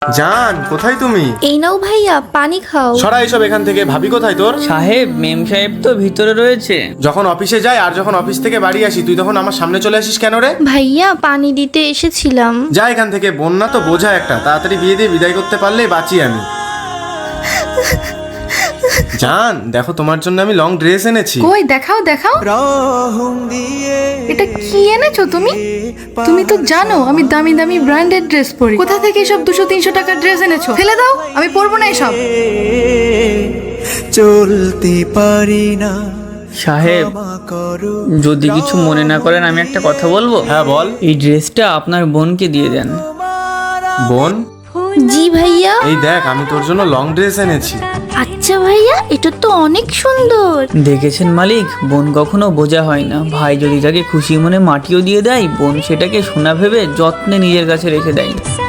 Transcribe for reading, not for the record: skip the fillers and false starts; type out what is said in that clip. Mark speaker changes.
Speaker 1: জান, কোথায় তুমি?
Speaker 2: এই নাও ভাইয়া, পানি খাও।
Speaker 1: সরা এসব এখান থেকে। ভাবি কোথায় তোর?
Speaker 3: সাহেব, মেম সাহেব তো ভিতরে রয়েছে।
Speaker 1: যখন অফিসে যাই আর যখন অফিস থেকে বাড়ি আসি তুই তখন আমার সামনে চলে আসিস কেন রে?
Speaker 2: ভাইয়া, পানি দিতে এসেছিলাম।
Speaker 1: যা এখান থেকে, বন্যা তো বোঝা একটা, তাড়াতাড়ি বিয়ে দিয়ে বিদায় করতে পারলেই বাঁচি আমি। জান, দেখো তোমার জন্য আমি লং ড্রেস এনেছি।
Speaker 4: কই দেখাও দেখাও, এটা কি এনেছো তুমি? তুমি তো জানো আমি দামি দামি ব্র্যান্ডেড ড্রেস পরি। কোথা থেকে এসব 200-300 টাকার ড্রেস এনেছো? ফেলে দাও, আমি পরবো না এসব।
Speaker 5: চলতে পারি না।
Speaker 3: সাহেব, যদি কিছু মনে না করেন আমি একটা কথা বলবো।
Speaker 1: হ্যাঁ বল।
Speaker 3: এই ড্রেসটা আপনার বোনকে দিয়ে দেন।
Speaker 1: বোন?
Speaker 2: জি ভাইয়া।
Speaker 1: এই দেখ, আমি তোর জন্য লং ড্রেস এনেছি।
Speaker 2: আচ্ছা ভাইয়া, এটা তো অনেক সুন্দর।
Speaker 3: দেখেছেন মালিক, বোন কখনো বোঝা হয় না। ভাই যদি তাকে খুশি মনে মাটিও দিয়ে দেয়, বোন সেটাকে সোনা ভেবে যত্নে নিজের কাছে রেখে দেয়।